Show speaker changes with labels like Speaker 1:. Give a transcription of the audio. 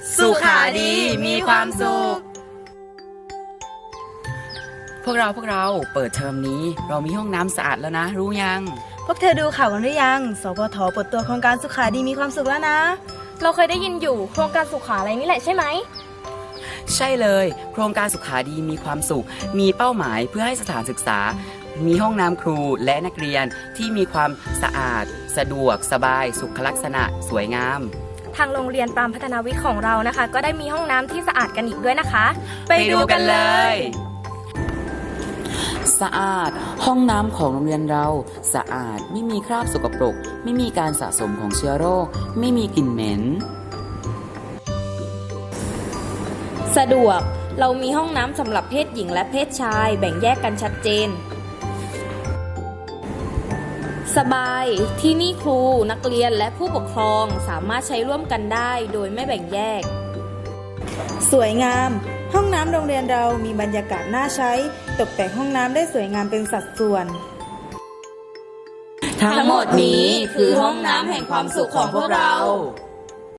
Speaker 1: สุขาดีมีความสุขพวกเราเปิดเทอมนี้เรามีห้องน้ำสะอาดแล้วนะรู้ยัง
Speaker 2: พวกเธอดูข่าวกันหรือยังสปท.เปิดตัวโครงการสุขาดีมีความสุขแล้วนะ
Speaker 3: เราเคยได้ยินอยู่โครงการสุขาอะไรนี่แหละใช่ไหม
Speaker 1: ใช่เลยโครงการสุขาดีมีความสุขมีเป้าหมายเพื่อให้สถานศึกษามีห้องน้ำครูและนักเรียนที่มีความสะอาดสะดวกสบายสุขลักษณะสวยงาม
Speaker 3: ทางโรงเรียนปรามพัฒนาวิทย์ของเรานะคะก็ได้มีห้องน้ำที่สะอาดกันอีกด้วยนะคะ
Speaker 1: ไปดูกันเลยสะอาดห้องน้ำของโรงเรียนเราสะอาดไม่มีคราบสกปรกไม่มีการสะสมของเชื้อโรคไม่มีกลิ่นเหม็น
Speaker 4: สะดวกเรามีห้องน้ำสำหรับเพศหญิงและเพศชายแบ่งแยกกันชัดเจนสบายที่นี่ครูนักเรียนและผู้ปกครองสามารถใช้ร่วมกันได้โดยไม่แบ่งแยก
Speaker 2: สวยงามห้องน้ำโรงเรียนเรามีบรรยากาศน่าใช้ตกแต่งห้องน้ำได้สวยงามเป็นสัดส่วน
Speaker 4: ทั้งหมดนี้คือห้องน้ำแห่งความสุขของพวกเรา